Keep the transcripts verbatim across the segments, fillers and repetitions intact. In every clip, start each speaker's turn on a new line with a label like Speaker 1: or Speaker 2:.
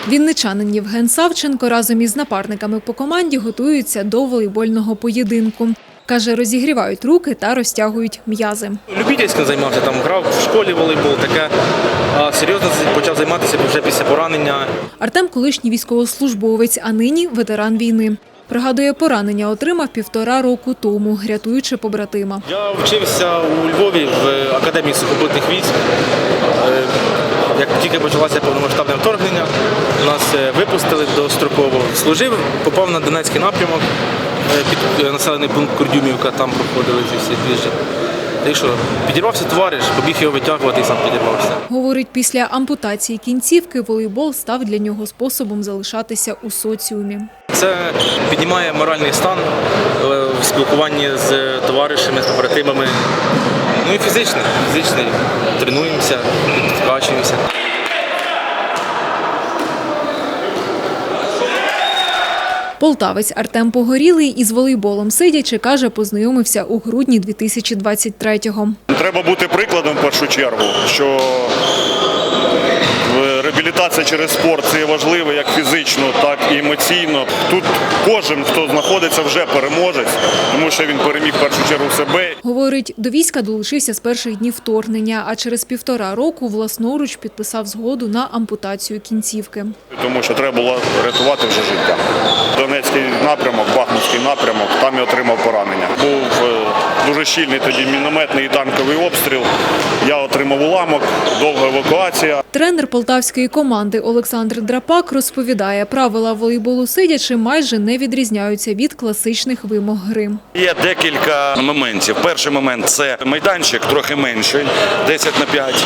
Speaker 1: Вінничанин Євген Савченко разом із напарниками по команді готуються до волейбольного поєдинку. Каже, розігрівають руки та розтягують м'язи.
Speaker 2: Любительсько займався, там грав в школі волейбол, таке, а серйозно почав займатися вже після поранення.
Speaker 1: Артем – колишній військовослужбовець, а нині ветеран війни. Пригадує, поранення отримав півтора року тому, рятуючи побратима.
Speaker 2: Я вчився у Львові в Академії сухопутних військ. Як тільки почалося повномасштабне вторгнення, нас випустили достроково. Служив, попав на Донецький напрямок, під населений пункт Курдюмівка, там проходили ці всі двіжі. Так що, підірвався товариш, побіг його витягувати і сам підірвався. Говорить,
Speaker 1: після ампутації кінцівки волейбол став для нього способом залишатися у соціумі.
Speaker 2: Це піднімає моральний стан в спілкуванні з товаришами, з побратимами. Ну і фізичний, фізичний. Тренуємося, підкачуємося.
Speaker 1: Полтавець Артем Погорілий із волейболом сидячи, каже, познайомився у грудні дві тисячі двадцять третього.
Speaker 3: Треба бути прикладом в першу чергу, що реабілітація через спорт – це важливо як фізично, так і емоційно. Тут кожен, хто знаходиться, вже переможець, тому що він переміг в першу чергу себе.
Speaker 1: Говорить, до війська долучився з перших днів вторгнення, а через півтора року власноруч підписав згоду на ампутацію кінцівки.
Speaker 3: Тому що треба було рятувати вже життя. Донецький напрямок, Бахмутський напрямок, там я отримав поранення. Був дуже щільний тоді мінометний і танковий обстріл. Я отримав уламок, довга евакуація.
Speaker 1: Тренер полтавської команди Олександр Драпак розповідає, правила волейболу сидячи майже не відрізняються від класичних вимог гри.
Speaker 4: Є декілька моментів. Перший момент – це майданчик трохи менший, десять на п'ять.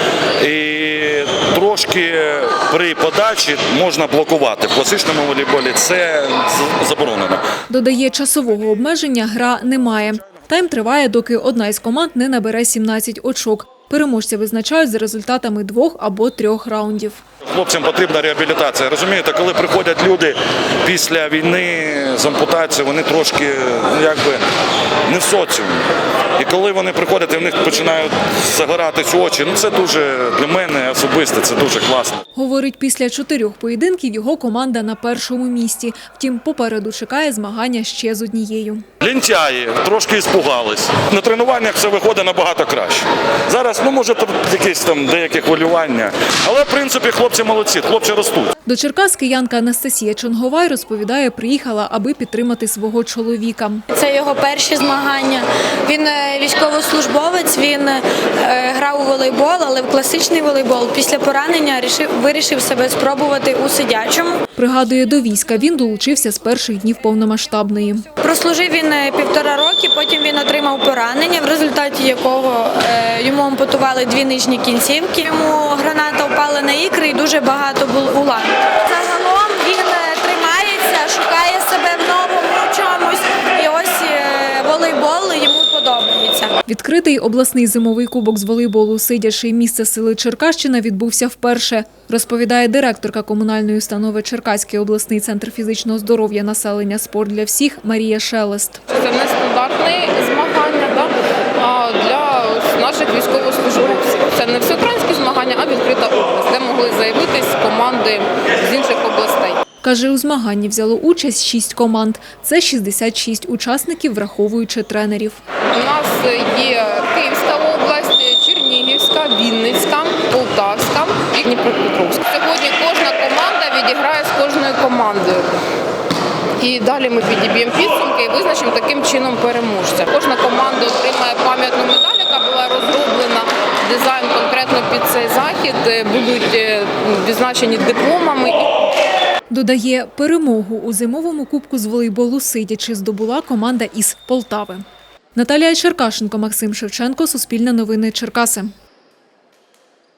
Speaker 4: І трошки при подачі можна блокувати. В класичному волейболі це заборонено.
Speaker 1: Додає, часового обмеження гра немає. Тайм триває, доки одна із команд не набере сімнадцять очок. Переможця визначають за результатами двох або трьох раундів.
Speaker 4: Хлопцям потрібна реабілітація. Розумієте, коли приходять люди після війни з ампутацією, вони трошки якби не в соціумі. І коли вони приходять, і в них починають загоратись очі, ну це дуже для мене особисто, це дуже класно.
Speaker 1: Говорить, після чотирьох поєдинків його команда на першому місці. Втім, попереду чекає змагання ще з однією.
Speaker 4: Лінтяї трошки іспугались. На тренуваннях все виходить набагато краще. Зараз, ну, може, тут якісь там деякі хвилювання, але, в принципі, хлопці молодці, хлопці ростуть.
Speaker 1: До Черкас киянка Анастасія Чонговай розповідає, приїхала, аби підтримати свого чоловіка.
Speaker 5: Це його перші змагання. Він військовослужбовець, він е, грав у волейбол, але в класичний волейбол. Після поранення рішив, вирішив себе спробувати у сидячому.
Speaker 1: Пригадує, до війська він долучився з перших днів повномасштабної.
Speaker 5: Прослужив він півтора роки, потім він отримав поранення, в результаті якого е, йому ампутували дві нижні кінцівки. Йому граната впала на ікри і дуже багато було уламків. Загалом він тримається, шукає себе в новому чомусь, і ось е, волейбол йому подобається.
Speaker 1: Відкритий обласний зимовий кубок з волейболу «Сидячий» місце сили Черкащина відбувся вперше, розповідає директорка комунальної установи Черкаський обласний центр фізичного здоров'я населення «Спорт для всіх» Марія Шелест.
Speaker 6: Це нестандартне змагання, да, для наших військовослужбовців. Це не всеукраїнські змагання, а відкрита область, де могли заявитись команди з інших областей.
Speaker 1: Каже, у змаганні взяло участь шість команд. Це шістдесят шість учасників, враховуючи тренерів.
Speaker 6: У нас є Київська область, Чернігівська, Вінницька, Полтавська і Дніпропетровська. Сьогодні кожна команда відіграє з кожною командою. І далі ми підіб'ємо підсумки і визначимо таким чином переможця. Кожна команда отримає пам'ятну медаль, яка була розроблена, дизайн конкретно під цей захід, будуть відзначені дипломами.
Speaker 1: Додає, перемогу у зимовому кубку з волейболу «Сидячи» здобула команда із Полтави. Наталія Черкашенко, Максим Шевченко, Суспільне новини, Черкаси.